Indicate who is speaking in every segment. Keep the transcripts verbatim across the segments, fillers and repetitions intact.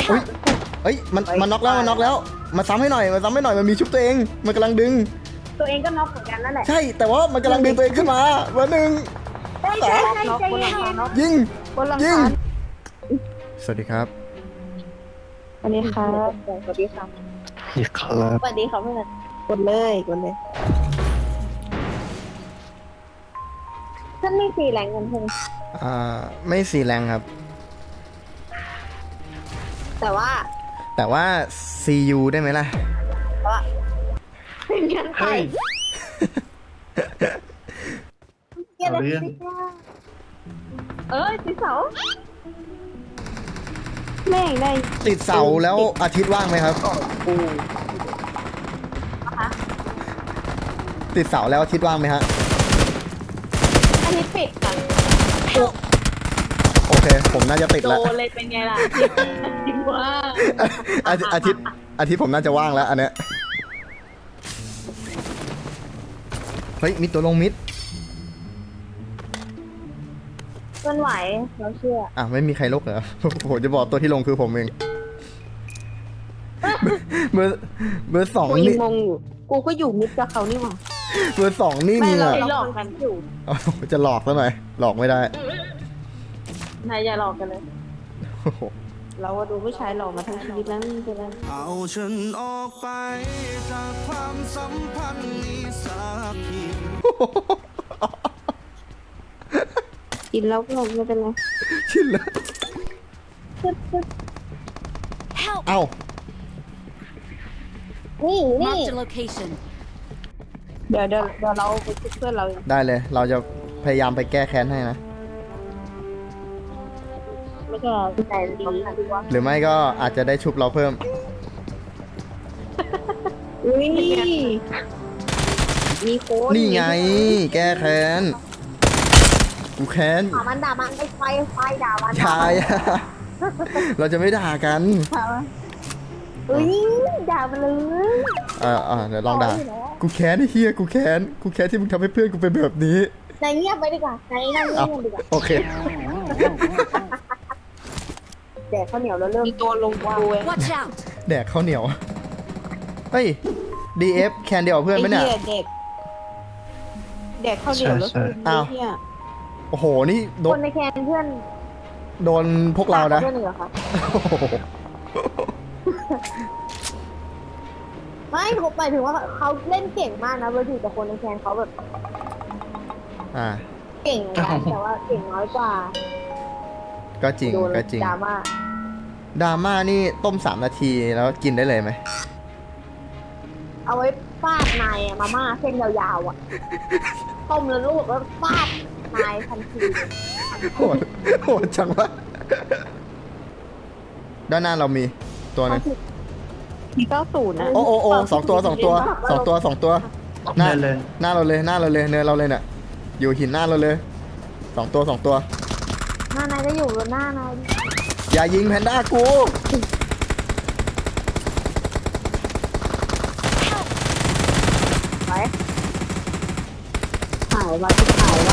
Speaker 1: เฮ้ยเฮ้ยมันมันน็อกแล้วมันน็อกแล้วมาซ้ำให้หน่อยมาซ้ำให้หน่อยมันมีชุบตัวเองมันกำลังดึง
Speaker 2: ตัวเองก็น็อกเหมือนกันนั่นแหละ
Speaker 1: ใช่แต่ว่ามันกำลังดึงตัวเองขึ้นมาเบอร์หนึ่ง
Speaker 2: ใช่ใช่ใช่ใจเย็น
Speaker 1: ยิง
Speaker 2: บนหลัง
Speaker 1: ยิง
Speaker 2: คา
Speaker 1: สวัสดีครับ
Speaker 2: สวัสดีครับสวัสดีครับ
Speaker 3: อีกครับ
Speaker 2: สวัสดีครับเพื่อนกดเลยกดเลยท่านไม่สีแรงเงินเพิ่ง
Speaker 1: อ่าไม่สีแรงครับ
Speaker 2: แต่ว่า
Speaker 1: แต่ว่า ซี ยู ได้ไหมล่ะ
Speaker 2: ว่าเป็นยังไง
Speaker 3: เฮ้ย
Speaker 2: เกี่ยวกับเอ้ยติดเสาแม่งได้
Speaker 1: ติดเสาแล้วอาทิตย์ว่างไหมครับติดเสาแล้วอาทิตย์ว่างไหมฮะ
Speaker 2: อันนี้ปิดค่ะ
Speaker 1: โอเคผมน่าจะติด
Speaker 2: โด
Speaker 1: แล้ว
Speaker 2: นเลยเป็นไงล่ะติดว่า
Speaker 1: อาทิตย์อาทิตย์อาทิตย์ผมน่าจะว่างแล้วอันเนี้ยเฮ้ยมิดตัวลงมิด
Speaker 2: มันไหวเราเชื่อ
Speaker 1: อ่ะไม่มีใครลกเหรอ ผมจะบอกตัวที่ลงคือผมเองเบอร์เบอร์สอง
Speaker 2: กูยั
Speaker 1: นี่
Speaker 2: งงงอยู่กูก็อยู่มิดกับเขานี่หว่า
Speaker 1: เบอร์สองนี่
Speaker 2: ไม่
Speaker 1: มี
Speaker 2: เรา
Speaker 1: อ่ะ
Speaker 2: หลอกกันอยู่
Speaker 1: เอาจะหลอกซะหน่อยหลอกไม่ได้
Speaker 2: นายอย่าหลอกกันเลย
Speaker 1: โอ้โห
Speaker 2: เราดูผู้ชายหลอกมาทั้งชีวิตแล้วนี่เป็นไร
Speaker 4: เอาฉันออกไปจากความสัมพันธ์นี้สักที
Speaker 2: กินแล้วก็ไม่เป็นไร
Speaker 1: ชินแล้วเอ้า
Speaker 2: นี่นี่
Speaker 5: Marked a location.
Speaker 2: เดี๋ยวเดี๋ยวเดี๋ยวเราไปชุบเพื่อนเราเอง
Speaker 1: ได้เลย เราจะพยายามไปแก้แค้นให้นะ
Speaker 2: ไม่ก็ใจดีดีวะ
Speaker 1: หรือไม่ก็อาจจะได้ชุบเราเพิ่ม
Speaker 2: อุ้ยมีโค้ด
Speaker 1: นี่ไง แก้แค้น กูแค้น
Speaker 2: ด่ามันด่ามันไอ้ไฟไฟด่ามัน
Speaker 1: ชาย เราจะไม่ด่ากัน
Speaker 2: อุ้ยด่ามันเลย
Speaker 1: อ่าอ่าเดี๋ยวลองด่า กูแค้นไอ้เฮียกูแค้น กูแค้นที่มึงทำให้เพื่อนกูเป็นแบบนี้
Speaker 2: นายเงียบไปดีกว่านายนั่งเงี
Speaker 1: เอา
Speaker 2: ยบดีกว่า
Speaker 1: โอเค
Speaker 2: แดกข้าวเหนียวแล้วเริ่มมีตัวลงว่า
Speaker 5: Watch out!
Speaker 1: แดกข้าวเหนียว เฮ้ย ดี เอฟ แคนเดียวกับเพื่อนไหมเนี่ย
Speaker 2: เด็กเด็กข้าวเหนียวแล้วคือ
Speaker 1: อ้าว
Speaker 2: เนี่ย
Speaker 1: โอ้โห นี่โด
Speaker 2: คน นในแคนเพื่อน
Speaker 1: โดนพวกเรานะ
Speaker 2: เพื่อนเหรอครับ
Speaker 1: โอ้โห
Speaker 2: ไม่ผมหมายถึงว่าเขาเล่นเก่งมากนะเวอร์ดีแต่คนในแคนเขาแบบ
Speaker 1: อ่า
Speaker 2: เก่งเหมือนกันแต่ว่าเก่งน้อยกว่า
Speaker 1: ก็จริง
Speaker 2: โดน
Speaker 1: ก็จริง
Speaker 2: ดราม่า
Speaker 1: ดราม่านี่ต้มสามนาทีแล้วกินได้เลยไหม
Speaker 2: เอาไว้ฟาดนายอะมาม่าเส้นยาวๆอ่ะต้มแล้วลูกแล้วฟาดนายทันที
Speaker 1: โหดโหดจังวะ ด้านหน้าเรามีตัวหนึง
Speaker 2: ทีเก้าศูนย์นะ
Speaker 1: โอ้โอ้โอ้สองตัวสองตัวสองตัวสองตัวหน้า
Speaker 3: ได้เลย
Speaker 1: หน้าเราเลยหน้าเราเลยเนินเราเลยเนี่ยอยู่หินหน้าเราเลยสองตัวสองตัว
Speaker 2: หน้านายก็อยู่บนหน้านาย
Speaker 1: อย่ายิงแพนด้ากู
Speaker 2: ไปหายว่ะที่หายว่ะ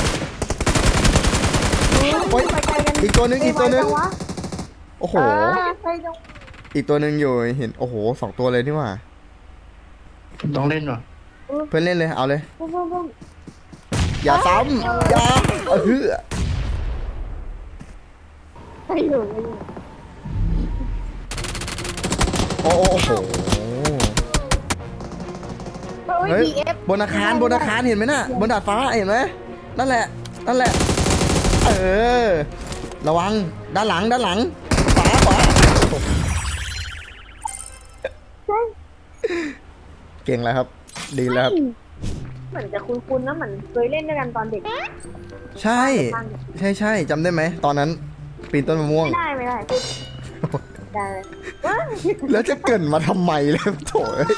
Speaker 1: โอ๊ย
Speaker 2: ไปไกลกัน
Speaker 1: อีกตัวหนึงอีกตัวหนึง
Speaker 2: ไปไจัวะ
Speaker 1: โอ้โห
Speaker 2: เออไปจัง
Speaker 1: อีกตัวหนึงอยู่เห็นโอ้โหสองตัวเลยนี่หว่า
Speaker 3: ผมต้องเล่นว่ะ
Speaker 1: เพื่อนเล่นเลยเอาเลย
Speaker 2: ปุ้มปุ้มปุ้ม
Speaker 1: อย่าซ้ำอย่าเออ
Speaker 2: ไปอยู่ไปอยู่
Speaker 1: โอ้โอ้โห
Speaker 2: เฮ้
Speaker 1: เฮ้
Speaker 2: ย
Speaker 1: ย
Speaker 2: ดีเอฟ
Speaker 1: บนอาคารบนอาคารเห็นไหมน่ะบนดาดฟ้าเห็นไหมนั่นแหละนั่นแหละ เออ ระวังด้านหลังด้านหลังขวาขวาเก่งแล้วครับ ดีแล้วครับ
Speaker 2: เหมือนจะคุ้นๆนะเหมือนเคยเล่นด้วยกันตอนเด็ก
Speaker 1: ใช่ ใช่ใช่จำได้ไหมตอนนั้นปีนต้นมะม่วง
Speaker 2: ไม่ได้ไม่ได้พูดได้เลยว้า
Speaker 1: แล้วจะเกรินมาทำไมเลยโถ่เอ้ย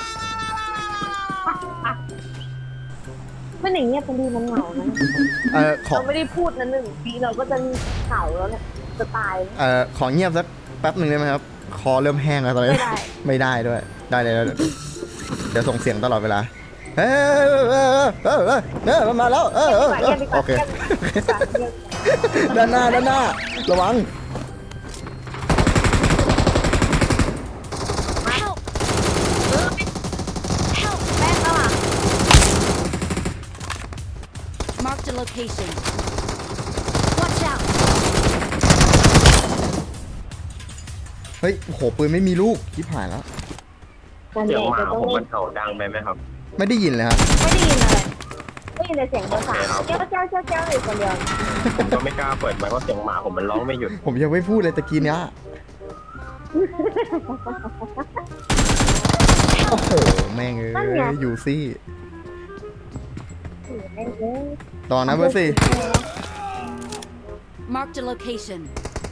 Speaker 2: มันอย่างเงี้ยเป็นดีมันเหงานะ
Speaker 1: เออขอ
Speaker 2: เราไม่ได้พูดนะหนึ่งปีเราก็จะเหงาแล้วเนี่ยจะตาย
Speaker 1: เออขอเงียบสักแป๊บหนึ่งได้ไหมครับ คอเริ่มแห้งแล้วตอนนี้
Speaker 2: ไม่ได้
Speaker 1: ไม่ได้ด้วย ได้เลยแล้วเดี๋ยวส่งเสียงตลอดเวลาเฮ้ยเออเออเออเออมันมาแล้วเออเออเออโอเคด้านหน้าด้านหน้าระวัง
Speaker 5: Marked a location. Watch out!
Speaker 1: เฮ้ยโอ้โหปืนไม่มีลูกชิบหายแล้ว
Speaker 2: นั่น
Speaker 6: เสี
Speaker 2: เอย
Speaker 6: ง
Speaker 2: ง
Speaker 6: หมา
Speaker 2: จะต้อง
Speaker 6: ผม
Speaker 2: เล่
Speaker 6: มัน นเห่าดังไปไหมครับ
Speaker 1: ไม่ได้ยินเลยครับ
Speaker 2: ไม่ได้ยินอะไรไม่ได้ยินแต่เสียงภาษาเจ้าเจ้าเจ้าเจ้าอยู่คนเดียว
Speaker 6: ผมก็ไม่กล้าเปิดไมค์เพราะเสียงหมาผมมันร้องไม่หยุด
Speaker 1: ผมยังไม่พูดเลยตะกี้เนี้ยโอ้โหแม่งเอ้ยอยู่ซี่
Speaker 2: แม่งเอ้ย
Speaker 1: ต่อนะเบอร์สี่
Speaker 5: Marked a location.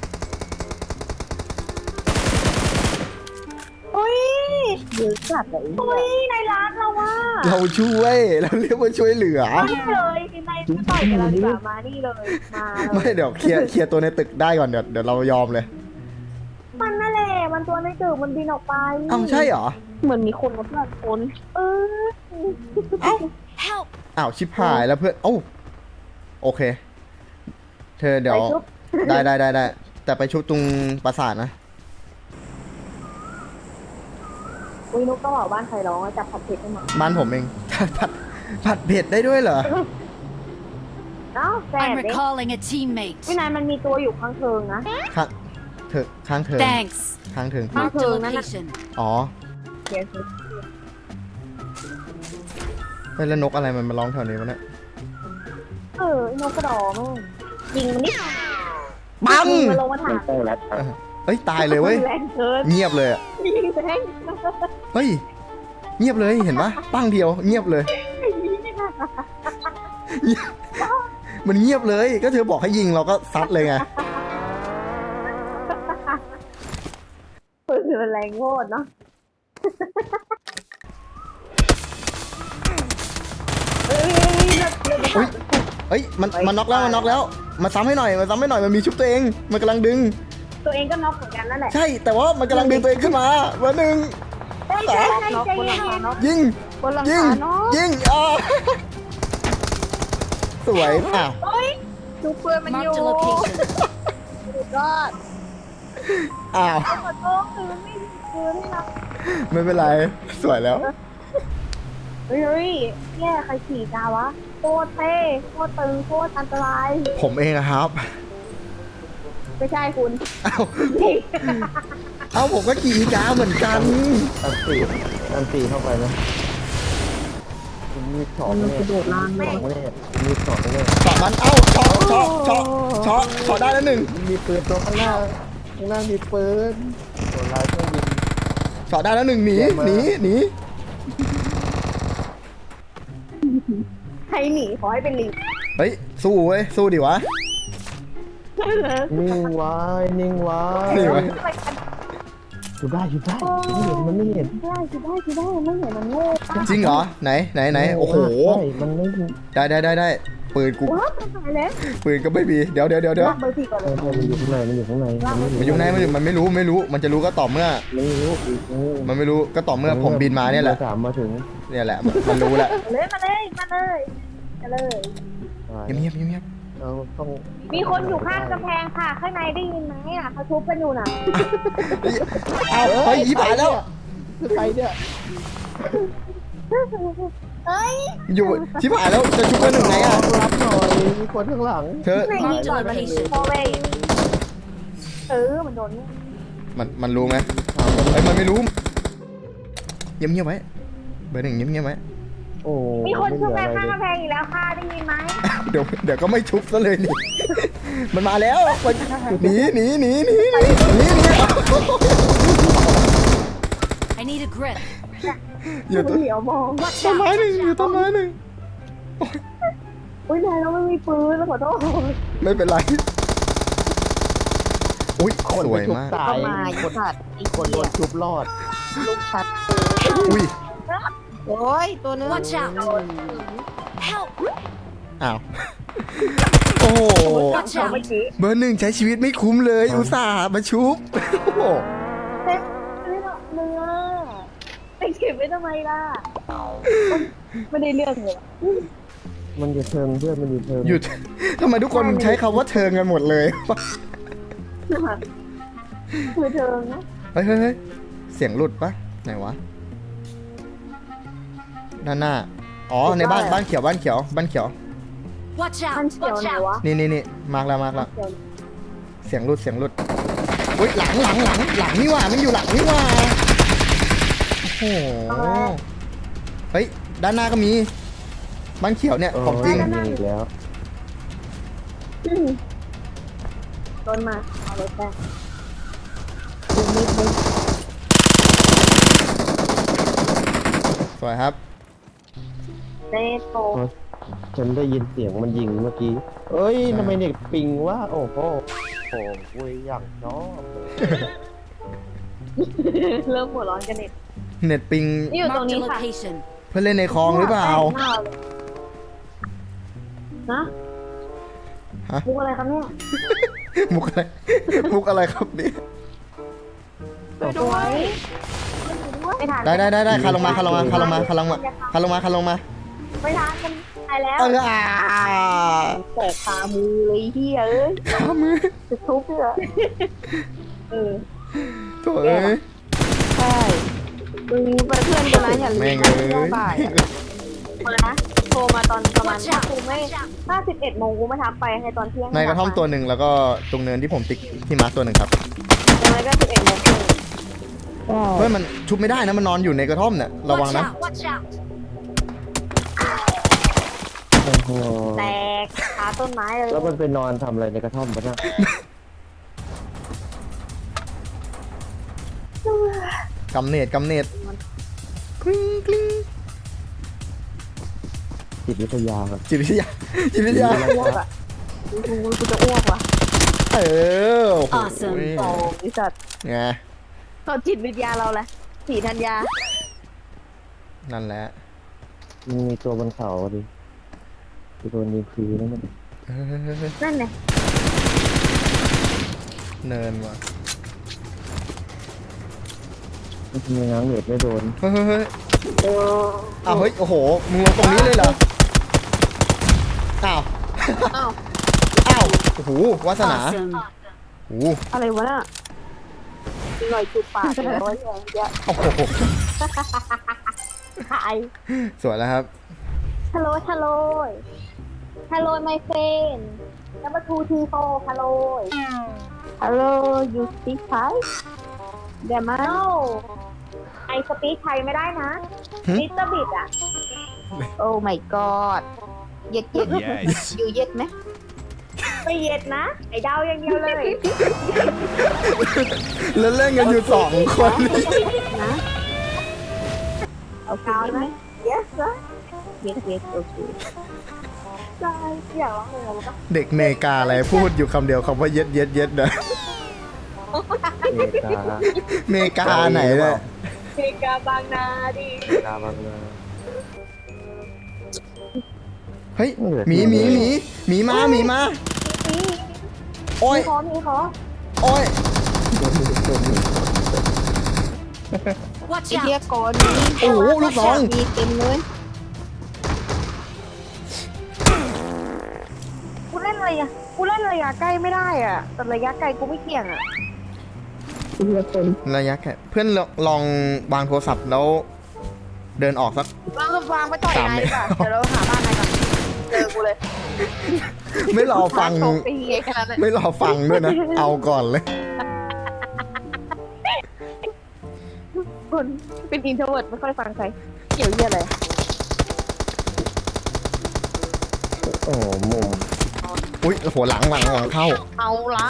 Speaker 2: โอ้ยเยอะจัดเลยโอ้ยในร้านเราว่า
Speaker 1: เราช่วยเราเรียกว่าช่วยเหลือ
Speaker 2: นี่เลยในไม่ต่อยกันแล้วดีกว่ามานี่เลยมาเล
Speaker 1: ไม่
Speaker 2: ย
Speaker 1: เดี๋ยวเคลียร์เคลียร์ตัวในตึกได้ก่อนเดี๋ยวเดี๋ยวเรายอมเลย
Speaker 2: มันนั่นแหละมันตัวในตึกมันบินออกไป
Speaker 1: เอ้าใช่เหรอ
Speaker 2: เหมือนมีคนมาเพื่อนคนเออ
Speaker 5: Help!
Speaker 1: อ้าวชิบหายแล้วเพื่อนเอ้าโอเค เธอเดี๋ยว
Speaker 2: ไปชุบ
Speaker 1: ได้ได้ได้ได้แต่ไปชุบตรงปราสาทนะ
Speaker 2: อุ้ยนุ๊กก็บอกบ้านใครร้องจับผัดเผ็ดให้มา
Speaker 1: บ้านผมเอง ผัดผัดเผ็ดได้ด้วยเหรอ
Speaker 2: เอ้าแสบ
Speaker 5: I'm
Speaker 2: เด็ก
Speaker 5: recalling a teammate.
Speaker 2: พี่นายมันมีตัวอยู่ข้างเทิงนะ
Speaker 1: ข้างเถอะข้างเถิง
Speaker 5: Thanks.
Speaker 1: ข้างเถิง
Speaker 5: Marked a
Speaker 2: Mark.
Speaker 5: location.
Speaker 1: อ๋อ
Speaker 2: เดี๋ยวสิ
Speaker 1: เฮ้ยแล้วนกอะไรมันมาร้องแถวนี้วะเนี่ย
Speaker 2: เออไอ้นกกระดอแม่งยิงมันนิด
Speaker 1: ปัง
Speaker 2: ยิงมันลงมาถา
Speaker 6: เป็น
Speaker 2: ม
Speaker 6: โป้แรดครับ
Speaker 1: เฮ้ยตายเลยเว้ย
Speaker 2: แรงเกิน
Speaker 1: เงียบเลยอะ
Speaker 2: ยิงแรง
Speaker 1: เฮ้ยเงียบเลยเห็นปะปังเดียวเงียบเลย มันเงียบเลยก็เธอบอกให้ยิงเราก็ซัดเลยไง
Speaker 2: ปืนมันแรงโคตรเนาะเอ้ยเลิกเลิก
Speaker 1: อุ๊ย เฮ้ยมันมันน็อกแล้วมันน็อกแล้วมาซ้ำให้หน่อยมาซ้ำให้หน่อยมันมีชุบตัวเองมันกำลังดึง
Speaker 2: ตัวเองก็น็อกเหมือนกันนั่นแหละ
Speaker 1: ใช่แต่ว่ามันกำลังดึงตัวเองขึ้นมาเบอร์หนึ่ง
Speaker 2: ใช่ใช่ใช่ใจเย็น
Speaker 1: ยิง
Speaker 2: บนหลัง
Speaker 1: ยิง
Speaker 2: คาเนาะ
Speaker 1: ยิงอ่าสวยอ้าว
Speaker 2: เฮ้ยดูเปืนมันอยู่
Speaker 5: Marked a location.
Speaker 2: สุดยอด
Speaker 1: อ้าว
Speaker 2: ขอโทษคืนไม่คืนให้เรา
Speaker 1: ไม่เป็นไรสวยแล้ว
Speaker 2: เฮ้ยเฮ้ยแย่ใครขี่กาวะโคตรเท่โคตรตึงโคตรอันตราย
Speaker 1: ผมเองอะครับ
Speaker 2: ไม่ใช่คุณ
Speaker 1: อ้าวเอ้าผมก็ขี่อีกาเหมือนกัน
Speaker 3: อันตีอันตีเข้าไปนะมีสองเนี่ย
Speaker 2: โดดล่างแม่ง
Speaker 3: เนี่ยมีสองเนี่ย
Speaker 1: เฉาะมันเอ้าเฉาะเฉาะเฉาะเฉาะเฉาะได้แล้วหนึ่ง
Speaker 3: มีปืนตัวข้างหน้าข้างหน้ามีปืนตัวร้ายเครื่องบิน
Speaker 1: เฉาะได้แล้วหนึ่งหนีหนีหนี
Speaker 2: ใครหนีขอให้เป็นลิง
Speaker 1: เฮ้ยสู้เว้ยสู้ดิวะ
Speaker 3: นิ่งไว้นิ่งไว้
Speaker 1: นี่ไว้
Speaker 3: อยู่ได้อยู่ได้ไม่เห็นมันไม่เห็น
Speaker 2: ได้สิได้สิได้ไม่เห็นมันโง่ปะ
Speaker 1: จริงเหรอไหนไหนไหนโอ้โห
Speaker 3: ใช่มันไม่
Speaker 1: ได้ได้ได้ได้ปืนกู
Speaker 2: ว้าวตายแล้ว
Speaker 1: ปืนก็ไม่มีเดี๋ยวเดี๋ยวเดี๋ยวเดี๋ยว
Speaker 2: ลากเบอร์สี่ก่อน
Speaker 3: เอ
Speaker 2: เลย
Speaker 3: อมันอยู่ข้างในมันอยู่ข้างใน
Speaker 1: มันอยู่ไหนมันอยู่มันไม่รู้ไม่รู้ มันจะรู้ก็ต่อเมื่อ
Speaker 3: ไม่รู้อีก
Speaker 1: มันไม่รู้ก็ต่อเมื่อผมบินมาเนี่ยแหละ
Speaker 3: สามมาถึง
Speaker 1: เนี่ยแหละมันมันรู้แหละ
Speaker 2: มาเลยมาเลยมาเลยมาเลย
Speaker 1: เงียบเงียบเงียบเงียบ
Speaker 3: เราต้อง
Speaker 2: มีคนอยู่ข้างกำแพงค่ะข้างในได้ยินไหมอ่ะเขาทุบกันอยู่น่ะ
Speaker 1: เอาเฮ้ยอีผายแล้ว
Speaker 3: คือใครเนี่ย
Speaker 2: เอ้ย
Speaker 1: อยู่ชิบหายแล้วจะชุบกันหนึ่งไงอ่ะ
Speaker 3: รับหน่อยมีคนข้างหลัง
Speaker 1: เธอ
Speaker 2: ไหนยิงก่อนมันพอเว้ยเออมันโดน
Speaker 1: มันมันรู้ไหมไอ้ยมันไม่รู้เงียบเงียบไว้เบอร์หนึ่งเงียบเงียบไว้
Speaker 3: โอ้
Speaker 2: มีคนชุบกัน
Speaker 3: ไม่
Speaker 2: ข้าง
Speaker 3: เหลืออะไร
Speaker 2: กำแพงอีกแล้วค่ะได้ยินไหม
Speaker 1: เดี๋ยวเดี๋ยวก็ไม่ชุบซะเลยนี่ มันมาแล้วมันหนีหนีหนีหนีหนีหนีหนี
Speaker 5: I need a grip.
Speaker 1: อยู่ต้น
Speaker 2: เหลียวมอง
Speaker 5: Watch
Speaker 1: ต้นไม้
Speaker 5: out!
Speaker 1: หนึ่งอยู่ต้นไม้หนึ่ง
Speaker 2: อุ้ยนายเราไม่มีปืนแล้วขอโทษ
Speaker 1: ไม่เป็นไรอุ้ย
Speaker 3: คน
Speaker 1: ส
Speaker 3: ไป
Speaker 1: วย
Speaker 3: ชุบ
Speaker 1: มาก
Speaker 3: ตายคนคนโดนชุบรอด
Speaker 2: ลูกชัด
Speaker 1: อุ้ย
Speaker 2: โอ้ยตัวนึง
Speaker 5: Watch out! Help!
Speaker 1: อ้าวโอ้โห
Speaker 5: Watch
Speaker 2: เมื่อ
Speaker 5: out!
Speaker 2: กี้
Speaker 1: เบอร์หนึ่งใช้ชีวิตไม่คุ้มเลยอุตส่าห์มาชุบโอ้โห
Speaker 2: เต็มไม่หรอกเนื้อไปเก็บไว้ทำไมล่ะไม่ได้เรื่องเลย
Speaker 3: มันอยู่เทิงเพื่อนมันอยู่เทิง
Speaker 1: หยุดทำไมทุกคนใช้คำว่าเทิงกันหมดเลย
Speaker 2: คือเธอนะ
Speaker 1: เฮ้ยเฮ้ยเฮ้ยเสียงหลุดปะไหนวะด้านหน้าอ๋อในบ้านบ้านเขียวบ้านเขียวบ้านเขียว
Speaker 5: Watch
Speaker 2: มัน
Speaker 5: out!
Speaker 2: เขียว
Speaker 5: Watch
Speaker 2: ไหน
Speaker 5: out!
Speaker 2: วะ
Speaker 1: นี่นี่นี่มาร์กแล้วมาร์กแล้ว
Speaker 2: เขียว
Speaker 1: เสียงรุดเสียงรุดอุ้ยหลังหลังหลังหลังนี่หว่ามันอยู่หลังนี่หว่าโอ้โหเฮ้ยด้านหน้าก็มีบ้านเขียวเนี่ยของจริง
Speaker 3: โยมีอีกแล้ว
Speaker 2: อืมโดนมาเอารถแป้งดูนิดนึง
Speaker 1: สวยครับ
Speaker 2: เนโต
Speaker 3: ฉันได้ยินเสียงมันยิงเมื่อกี้เอ้ยทำไมเน็ตปิงวะโอ้โหโอ้โหอย่างชอบเลย
Speaker 2: เริ่มหัวร้อนกันเน็ต
Speaker 1: เน็ตปิง
Speaker 2: นี่อยู่ตรง
Speaker 5: Marked a
Speaker 2: นี้ค่ะ
Speaker 5: location.
Speaker 1: เพื่อนเล่นในคลองหรือเปล่า
Speaker 2: แป้งเลยนะ
Speaker 1: ฮะ
Speaker 2: มุกอะไรครับเนี่ย
Speaker 1: มุกอะไรมุกอะไรครับเนี่ย
Speaker 2: สวยไม่ทัน
Speaker 1: ได้ได้ได้ได้คาลงมาคาลงมาคาลงมาคาลงมาคาลงมาคาลงมา
Speaker 2: ไม่ทันกันตายแล้ว
Speaker 1: เอออ่า
Speaker 2: แตกขามือเลยเฮียเอ้ย
Speaker 1: ขามือ
Speaker 2: จะทุบเลยเออ
Speaker 1: โถ่เอ้ย
Speaker 2: ใช่มึงไปเพื่อนกันนะอย่าลืม
Speaker 1: แม่ง
Speaker 2: นะ
Speaker 1: เอ้ย
Speaker 2: บ่ายอะมานะโทรมาตอนประมาณถ้ากูไม่ถ้าสิบเอ็ดโมงกูไม่ทักไปให้ตอนเที่ยง
Speaker 1: ในกระท่อมตัวหนึ่งแล้วก็ตรงเนินที่ผมติ๊กที่มาร์คตัวหนึ่งครับ
Speaker 2: ยังไงก็สิบเอ็ดโมงครึ่ง
Speaker 1: เฮ้ยมันชุบไม่ได้นะมันนอนอยู่ในกระท่อมเนี่ยระวัง
Speaker 5: Watch
Speaker 1: นะ
Speaker 5: out! Watch out!
Speaker 3: โอ้โห
Speaker 2: แตกขาต้นไม้เลย
Speaker 3: แล้วมันไปนอนทำอะไรในกระท่อมปะเนี่ย
Speaker 1: กำเนิดกำเนิดกริ๊งกริ๊ง
Speaker 3: จิตวิทยาครับ
Speaker 1: จิตวิทยาจิตวิทยา
Speaker 2: อ้วกอ่ะกูกูจะอ้วกว่ะ
Speaker 1: เออโอ้โห
Speaker 5: Awesome
Speaker 2: โอ้ยสัตว์
Speaker 1: ไง
Speaker 2: เขาจิตวิทยาเราแหละสีธัญญา
Speaker 1: นั่นแหละ
Speaker 3: มันมีตัวบนเขาดิคือโดนยิงฟรีนั่นมัน
Speaker 1: เออ
Speaker 2: นั่นไง
Speaker 1: เนินว่ะ
Speaker 3: มันมีง้างเน็ตไม่โดน
Speaker 1: เฮ้ยเฮ้ยเฮ้ย
Speaker 2: เออ
Speaker 1: อ้าวเฮ้ยโอ้โหมึงลงตรงนี้เลยเหรออ้าว
Speaker 2: อ้าว
Speaker 1: อ้าวโอ้โหวาสนา
Speaker 5: Awesome.
Speaker 1: โอ้โห
Speaker 2: อะไรวะน่ะหน่อยจุดปากเลยร้อยแรงเยอะ
Speaker 1: โอ้โห
Speaker 2: หาย
Speaker 1: สวยแล้วครับ
Speaker 2: ฮัลโหลฮัลโหลฮัลโหล my friend number two three four ฮัลโหลฮัลโหล you speak Thai เดี๋ยวมา no I speak Thai ไม่ได้นะ
Speaker 1: หึ
Speaker 2: little bit อ่ะ oh my god เย็ดเย็ด
Speaker 4: Yes
Speaker 2: อยู่เย็ดไหมไม่เย็ดนะ ไอ้ดาวอย่างเดียวเลย
Speaker 1: แล้วเล่นกันอยู่สองคนนี่
Speaker 2: นะเอาดาวไหม yes นะ yes yes โอเคใช่อยากร้องเพลงอะไรปะ
Speaker 1: เด็กเมกาอะไรพูดอยู่คำเดียวคำว่าเย็ดเย็ดเย็ดนะ
Speaker 3: เมกา
Speaker 1: เมกาไหนเนี่ย
Speaker 2: เพลงกาบางนาดิ
Speaker 3: เมกาบางนา
Speaker 1: เฮ้ยหมีหมีหมีหมีมาหมีมาโอ้ย
Speaker 2: มีขอมีขอ
Speaker 1: โอ้ย
Speaker 5: Watch
Speaker 2: ไอ้เหี้ย
Speaker 5: out!
Speaker 2: ก่อน
Speaker 1: โอ้โหลูกสอง
Speaker 2: มีเต็มเลยกูเล่นอะไรอ่ะกูเล่นระยะใกล้ไม่ได้อ่ะแต่ระยะไกลกูไม่เกี่ยงอ่ะ
Speaker 1: ระยะแค่เพื่อนลองลองวางโทรศัพท์แล้ว เดินออกสัก
Speaker 2: วางวางไปต่อย
Speaker 1: สาม
Speaker 2: นาย
Speaker 1: เมตร
Speaker 2: ดีกว่าเดี๋ยวเราหาบ้านนายก่อนเจอกูเลย
Speaker 1: ไม่รอฟัง
Speaker 2: โชว์ฟรีไอ้ขนาดนั้น
Speaker 1: ไม่รอฟังด้วยนะ เอาก่อนเลย
Speaker 2: คนเป็นอินโทรเวิร์ดไม่ค่อยฟังใครเกี่ยวเยี่ยอะไร
Speaker 3: โอ้โหมุม
Speaker 1: อุ้ยหัวหลังหลังหลังเข้า
Speaker 2: เอาละ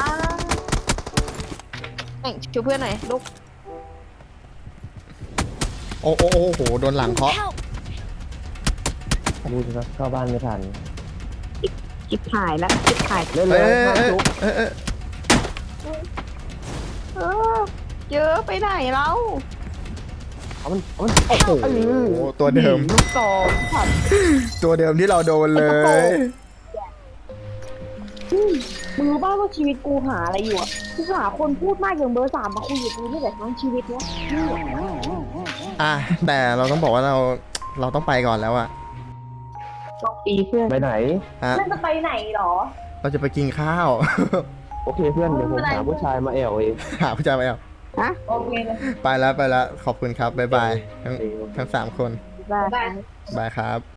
Speaker 2: เอ้ยช่วยเพื่อนหน่อยลูก
Speaker 1: โอ้โอ้โอ้โหโดนหลังเคาะ
Speaker 5: Help!
Speaker 3: ดูสิครับเข้าบ้านไม่ทัน
Speaker 2: จิบหายแล้วจิบหาย
Speaker 3: เล่นเล
Speaker 1: เอ้
Speaker 3: ย
Speaker 1: ย
Speaker 3: ข้าม
Speaker 1: เอ้ย
Speaker 3: ทุก
Speaker 1: เอ้ยเอ้ย
Speaker 2: เออเจอไปไหนเรา
Speaker 3: เอามันเอามัน
Speaker 1: โอ้โหตัวเดิม
Speaker 2: ลูกสองผัด
Speaker 1: ตัวเดิมที่เราโดนเลย
Speaker 2: มึงรู้ป่าวว่าชีวิตกูหาอะไรอยู่อ่ะกูหาคนพูดมากอย่างเบอร์สามมาคุยกับกูนี่แหละทั้งชีวิตเนี้ย
Speaker 1: อ่ะแต่เราต้องบอกว่าเราเราต้องไปก่อนแล้วอะ
Speaker 2: ต้องปีเพื่อน
Speaker 3: ไปไหน
Speaker 1: ฮะ
Speaker 2: เพื่อนจะไปไหนหรอ
Speaker 1: เราจะไปกินข้าว
Speaker 3: โอเคเพื่อนเดี๋ยวผมหาผู้ชายมาแอวเอง
Speaker 1: หาผู้ชายไปเอา
Speaker 2: ฮะโอเคเลย
Speaker 1: ไปแล้วไปแล้วขอบคุณครับบ๊ายบายทั้งทั้งสามคน
Speaker 2: ได้
Speaker 1: บายครับ